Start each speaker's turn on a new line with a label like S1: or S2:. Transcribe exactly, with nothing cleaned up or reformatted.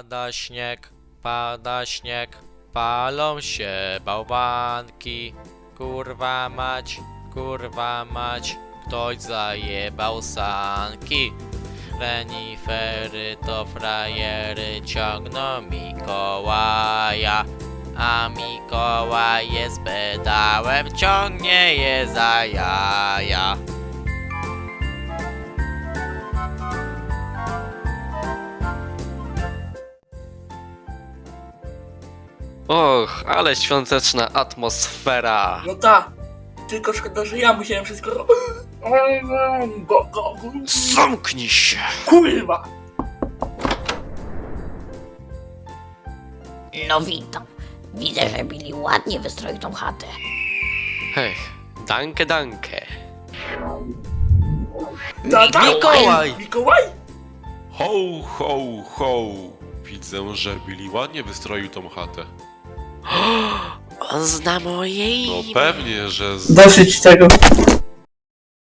S1: Pada śnieg, pada śnieg, palą się bałwanki. Kurwa mać, kurwa mać, ktoś zajebał sanki. Renifery to frajery ciągną Mikołaja, a Mikołaj jest pedałem, ciągnie je za jaja.
S2: Och, ale świąteczna atmosfera.
S3: No ta, tylko szkoda, że ja musiałem wszystko ro- go, go, go.
S2: Zamknij się!
S3: Kurwa!
S4: No witam. Widzę, że Billy ładnie wystroił tą chatę.
S2: Hej, danke, danke.
S3: Ta, ta,
S1: Mikołaj!
S3: Mikołaj?
S5: Ho, ho, ho! Widzę, że Billy ładnie wystroił tą chatę.
S2: On zna moje
S5: No
S2: imię.
S5: pewnie, że z...
S3: Dosyć tego.